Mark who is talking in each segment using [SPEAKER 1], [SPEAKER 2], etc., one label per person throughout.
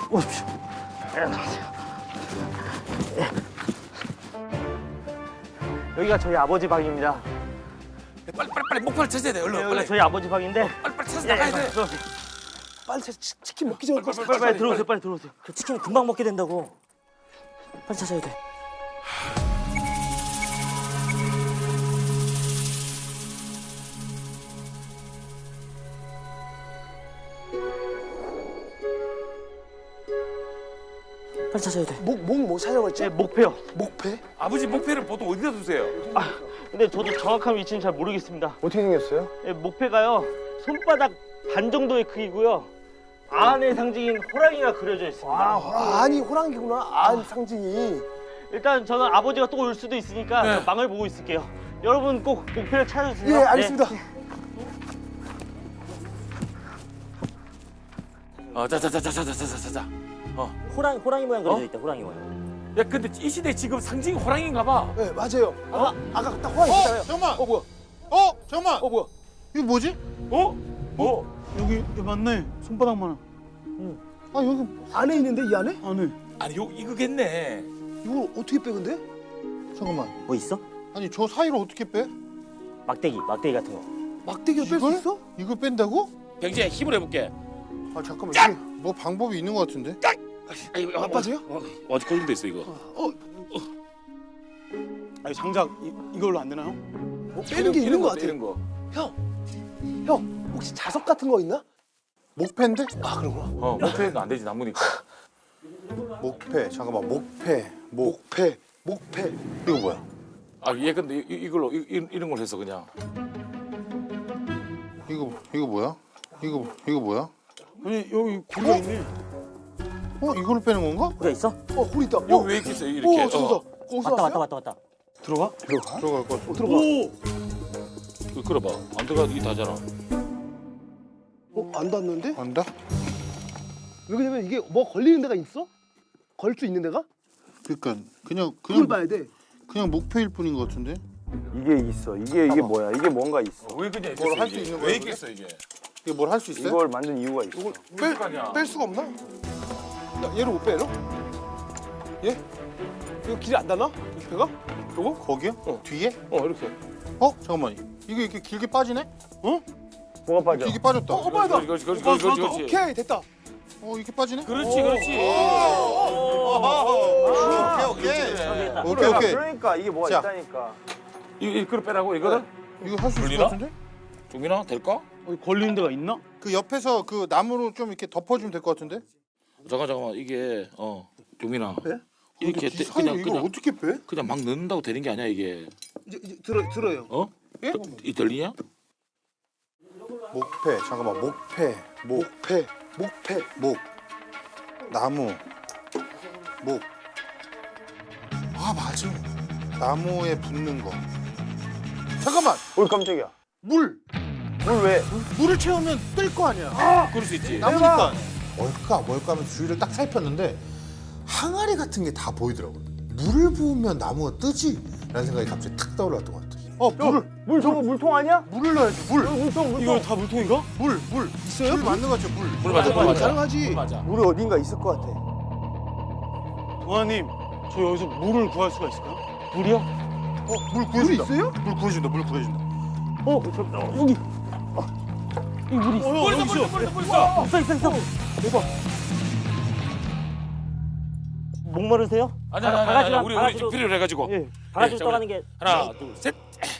[SPEAKER 1] 오십시오. 안녕하세요. 여기가 저희 아버지 방입니다.
[SPEAKER 2] 빨리 목표를 찾아야 돼. 얼른
[SPEAKER 1] 여기가
[SPEAKER 2] 빨리.
[SPEAKER 1] 저희 아버지 방인데.
[SPEAKER 2] 빨리 찾아 나가야 돼.
[SPEAKER 1] 들어오세요.
[SPEAKER 3] 빨리 치킨 먹기 전에
[SPEAKER 1] 빨리 들어오세요. 빨리 들어오세요. 그 치킨 금방 먹게 된다고. 빨리 찾아야 돼. 빨리 찾아야 돼.
[SPEAKER 3] 뭐 찾아봤지?
[SPEAKER 1] 네, 목표요.
[SPEAKER 3] 목패?
[SPEAKER 2] 아버지 목표를 보통 어디다 두세요?
[SPEAKER 1] 아, 근데 저도 정확한 위치는 잘 모르겠습니다.
[SPEAKER 3] 어떻게 생겼어요?
[SPEAKER 1] 네, 목표가요. 손바닥 반 정도의 크기고요. 안의 상징인 호랑이가 그려져 있습니다.
[SPEAKER 3] 아니 호랑이구나. 안 상징이.
[SPEAKER 1] 일단 저는 아버지가 또 올 수도 있으니까
[SPEAKER 2] 네.
[SPEAKER 1] 저 망을 보고 있을게요. 여러분 꼭 목표를 찾아주세요.
[SPEAKER 3] 예, 알겠습니다.
[SPEAKER 1] 네.
[SPEAKER 2] 자자자자자자자자자.
[SPEAKER 1] 호랑이 모양 그려져 있다. 호랑이 모양.
[SPEAKER 2] 야 근데 이 시대 지금 상징이 호랑이인가 봐.
[SPEAKER 3] 네, 맞아요. 아까 딱 호랑이 있잖아요.
[SPEAKER 4] 잠깐만.
[SPEAKER 3] 뭐야?
[SPEAKER 4] 잠깐만.
[SPEAKER 3] 뭐야?
[SPEAKER 4] 이거 뭐지?
[SPEAKER 5] 여기 맞네. 손바닥만.
[SPEAKER 4] 아 여기
[SPEAKER 3] 안에 있는데 이 안에?
[SPEAKER 5] 안에.
[SPEAKER 2] 아니 요 이거겠네.
[SPEAKER 3] 이걸 어떻게 빼 근데?
[SPEAKER 4] 잠깐만.
[SPEAKER 1] 뭐 있어?
[SPEAKER 4] 아니 저 사이로 어떻게 빼?
[SPEAKER 1] 막대기 같은 거.
[SPEAKER 3] 막대기를 뺄 수
[SPEAKER 4] 이걸?
[SPEAKER 3] 있어?
[SPEAKER 4] 이걸 뺀다고?
[SPEAKER 2] 병재야 힘을 해볼게.
[SPEAKER 4] 아 잠깐만. 이게 뭐 방법이 있는 것 같은데?
[SPEAKER 3] 아빠세요?
[SPEAKER 2] 어디 걸림도 있어 이거.
[SPEAKER 5] 아니 장작 이걸로 안 되나요?
[SPEAKER 3] 뭐 빼는 게 있는 것 같아.
[SPEAKER 2] 이런 거.
[SPEAKER 3] 형 혹시 자석 같은 거 있나?
[SPEAKER 4] 목패인데?
[SPEAKER 3] 아 그런구나.
[SPEAKER 2] 목표는 안 되지 나무니까.
[SPEAKER 4] 목패. 잠깐만. 목패.
[SPEAKER 3] 목패.
[SPEAKER 4] 이거 뭐야?
[SPEAKER 2] 아 얘 근데 이걸로 이런 걸 해서 그냥.
[SPEAKER 4] 이거 뭐야? 이거 뭐야?
[SPEAKER 5] 아니 여기 고리가 있네.
[SPEAKER 4] 이걸로 빼는 건가?
[SPEAKER 1] 우리가 있어?
[SPEAKER 3] 홀 있다.
[SPEAKER 2] 여기 왜 이렇게 있어 이렇게?
[SPEAKER 3] 저기서. 거기서
[SPEAKER 1] 왔다.
[SPEAKER 5] 들어가?
[SPEAKER 4] 들어갈 것 같아.
[SPEAKER 3] 들어가.
[SPEAKER 2] 끌어봐. 안 들어가 이게 다잖아.
[SPEAKER 3] 안 닿는데?
[SPEAKER 4] 안다?
[SPEAKER 3] 왜냐면 이게 뭐 걸리는 데가 있어? 걸 수 있는 데가?
[SPEAKER 4] 그러니까
[SPEAKER 3] 그걸 봐야 돼.
[SPEAKER 4] 그냥 목패일 뿐인 것 같은데?
[SPEAKER 6] 이게 있어. 이게 뭐야? 이게 뭔가 있어.
[SPEAKER 2] 왜 그냥
[SPEAKER 4] 뭘 할 수 있는 거야,
[SPEAKER 2] 왜
[SPEAKER 4] 그게?
[SPEAKER 2] 있겠어 이게?
[SPEAKER 4] 이게 뭘 할 수 있어요?
[SPEAKER 6] 이걸 만든 이유가 있어.
[SPEAKER 3] 뺄 수가 없나? 야, 얘를 못 빼, 얘로? 얘? 이거 길이 안 닿나? 배가? 요거?
[SPEAKER 4] 거기요? 뒤에?
[SPEAKER 3] 이렇게.
[SPEAKER 4] 잠깐만. 이게 이렇게 길게 빠지네?
[SPEAKER 6] 뭐가 빠져?
[SPEAKER 4] 길게 빠졌다.
[SPEAKER 3] 빠르다.
[SPEAKER 2] 그렇지.
[SPEAKER 3] 오케이, 됐다.
[SPEAKER 4] 이렇게 빠지네?
[SPEAKER 2] 그렇지.
[SPEAKER 4] 오케이.
[SPEAKER 6] 그러니까 이게 뭐가
[SPEAKER 4] 자.
[SPEAKER 6] 있다니까.
[SPEAKER 2] 이걸 빼라고 이거를?
[SPEAKER 4] 이거 할 수 있을
[SPEAKER 2] 걸리나?
[SPEAKER 4] 것 같은데?
[SPEAKER 2] 종민아 될까?
[SPEAKER 5] 걸리는 데가 있나?
[SPEAKER 4] 그 옆에서 그 나무로 좀 이렇게 덮어주면 될 것 같은데?
[SPEAKER 2] 잠깐만 이게 종민아.
[SPEAKER 3] 네?
[SPEAKER 2] 이렇게
[SPEAKER 4] 이 사이로 이걸 어떻게 빼?
[SPEAKER 2] 그냥 막 넣는다고 되는 게 아니야 이게.
[SPEAKER 3] 이제 들어요. 예?
[SPEAKER 2] 이 들리냐?
[SPEAKER 4] 목패. 잠깐만. 목패.
[SPEAKER 3] 목패.
[SPEAKER 4] 목. 나무. 목. 아 맞아. 나무에 붙는 거. 잠깐만.
[SPEAKER 6] 뭘 깜짝이야.
[SPEAKER 4] 물.
[SPEAKER 6] 뭘 왜?
[SPEAKER 4] 물을 채우면 뜰 거 아니야.
[SPEAKER 2] 그럴 수 있지.
[SPEAKER 4] 나무니까. 뭘까 하면서 주위를 딱 살폈는데 항아리 같은 게 다 보이더라고요. 물을 부으면 나무가 뜨지? 라는 생각이 갑자기 탁 떠올랐던 것 같아.
[SPEAKER 6] 물 저거 물통 아니야?
[SPEAKER 4] 물을 넣어야지. 물.
[SPEAKER 6] 물통.
[SPEAKER 5] 이거 다 물통인가?
[SPEAKER 4] 물. 있어요? 물 맞는 거 같죠? 물.
[SPEAKER 2] 물 맞아.
[SPEAKER 3] 가능하지.
[SPEAKER 2] 물 맞아.
[SPEAKER 6] 물이 어딘가 있을 것 같아.
[SPEAKER 5] 도아님, 저 여기서 물을 구할 수가 있을까요?
[SPEAKER 1] 물이요?
[SPEAKER 4] 물
[SPEAKER 3] 물
[SPEAKER 4] 구해준다.
[SPEAKER 3] 있어요?
[SPEAKER 4] 물 구해준다.
[SPEAKER 1] 여기. 이 물이 있어. 있어. 대박. 목마르세요?
[SPEAKER 2] 아니 우리
[SPEAKER 1] 바가지로-
[SPEAKER 2] 좀 필요로 해가지고.
[SPEAKER 1] 예. 바가지로
[SPEAKER 2] 네,
[SPEAKER 1] 떠가는 게.
[SPEAKER 2] 하나 둘 셋.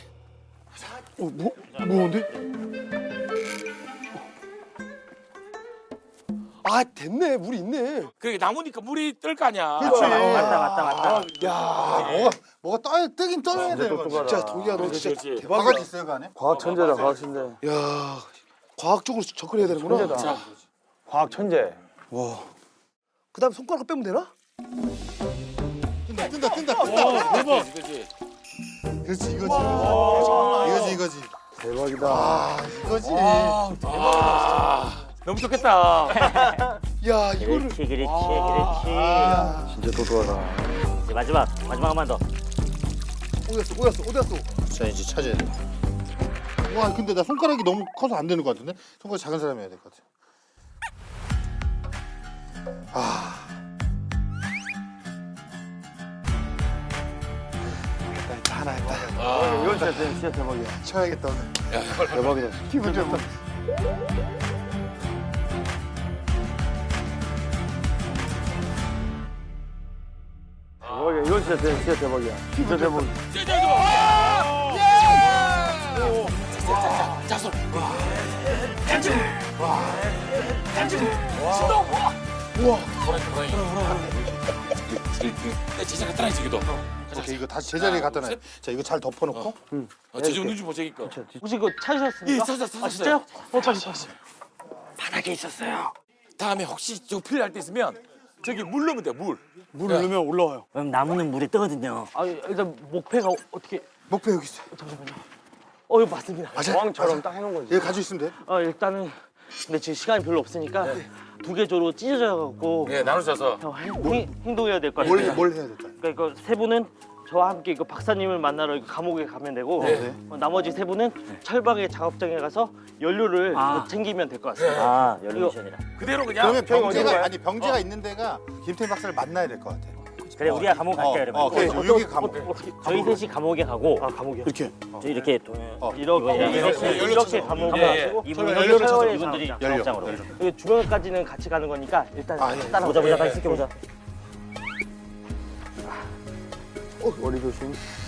[SPEAKER 3] 뭔데? 아, 됐네. 물이 있네.
[SPEAKER 2] 그게 나무니까 물이 뜰 거 아니야.
[SPEAKER 4] 그렇지.
[SPEAKER 1] 맞다.
[SPEAKER 3] 야,
[SPEAKER 4] 뭐가 뜨긴 떠야 되는 거지.
[SPEAKER 3] 진짜 동이야, 너 진짜
[SPEAKER 2] 그렇지.
[SPEAKER 3] 대박이야.
[SPEAKER 4] 바가지 있어요 그 안에?
[SPEAKER 6] 과학 천재다. 과학 천재.
[SPEAKER 3] 야, 과학적으로 접근해야 되는구나.
[SPEAKER 6] 천재다. 과학 천재.
[SPEAKER 3] 그다음 손가락 빼면 되나?
[SPEAKER 4] 뜬다.
[SPEAKER 2] 대박. 그렇지.
[SPEAKER 4] 그렇지 이거지.
[SPEAKER 6] 대박이다.
[SPEAKER 4] 아 이거지.
[SPEAKER 2] 너무 좋겠다.
[SPEAKER 3] 야, 이거를.
[SPEAKER 1] 그렇지.
[SPEAKER 6] 진짜 똑똑하다.
[SPEAKER 1] 이제 마지막 한 번 더.
[SPEAKER 3] 어디 갔어?
[SPEAKER 4] 자 이제 찾아야 돼. 와 근데 나 손가락이 너무 커서 안 되는 것 같은데? 손가락 작은 사람이 해야 될 것 같아.
[SPEAKER 3] 하나 했다.
[SPEAKER 6] 이건 진짜 대박이야.
[SPEAKER 3] 쳐야겠다 오늘.
[SPEAKER 6] 대박이다.
[SPEAKER 3] 기분 좋다.
[SPEAKER 6] 대박이야. 이건 진짜 대박이야. 진짜 대박.
[SPEAKER 2] 자손. 내 제자 갖다 놔 저기도.
[SPEAKER 4] 오케이, 이거 다시 제자리에 갖다 놔요. 자, 이거 잘 덮어놓고.
[SPEAKER 2] 제주 누지 보자니까.
[SPEAKER 1] 혹시 그거 찾으셨습니까?
[SPEAKER 2] 예, 찾았어요.
[SPEAKER 1] 아 진짜요?
[SPEAKER 2] 바닥에 있었어요. 다음에 혹시 저 필요할 때 있으면 저기 물 넣으면 돼 물.
[SPEAKER 5] 물을 넣으면 올라와요.
[SPEAKER 7] 그럼 나무는 물에 뜨거든요.
[SPEAKER 1] 아 일단 목패가 어떻게?
[SPEAKER 3] 목표 여기 있어.
[SPEAKER 1] 이거 맞습니다.
[SPEAKER 3] 맞아.
[SPEAKER 6] 왕처럼 딱 해놓은 거지.
[SPEAKER 3] 얘 가지고 있으면 돼.
[SPEAKER 1] 일단은 근데 지금 시간이 별로 없으니까 두 개 조로 찢어져갖고
[SPEAKER 2] 네 나눠져서.
[SPEAKER 1] 행동해야 될 것 같아요.
[SPEAKER 3] 뭘 해야 될까?
[SPEAKER 1] 그러니까 이거 세 분은 저와 함께 이거 박사님을 만나러 이거 감옥에 가면 되고 나머지 세 분은 철방의 작업장에 가서 연료를 챙기면 될 것 같습니다.
[SPEAKER 7] 아, 연료 미션이라.
[SPEAKER 2] 그대로 그냥.
[SPEAKER 4] 그러면 병재가 아니 병재가 있는 데가 김태희 박사를 만나야 될 것 같아.
[SPEAKER 7] 그래, 우리가 감옥 갈게 그러면.
[SPEAKER 4] 그래, 여기 감옥.
[SPEAKER 7] 저희 셋이 감옥에 가고
[SPEAKER 1] 감옥이요?
[SPEAKER 3] 이렇게.
[SPEAKER 7] 저희 이렇게
[SPEAKER 1] 이렇게 감옥에 가시고
[SPEAKER 7] 이분은
[SPEAKER 1] 연료를 찾아
[SPEAKER 7] 이분들이
[SPEAKER 4] 연료.
[SPEAKER 7] 작업장으로.
[SPEAKER 1] 그리고 주변까지는 같이 가는 거니까 일단 따라
[SPEAKER 7] 보자, 같이 지켜보자.
[SPEAKER 6] 머리 조심.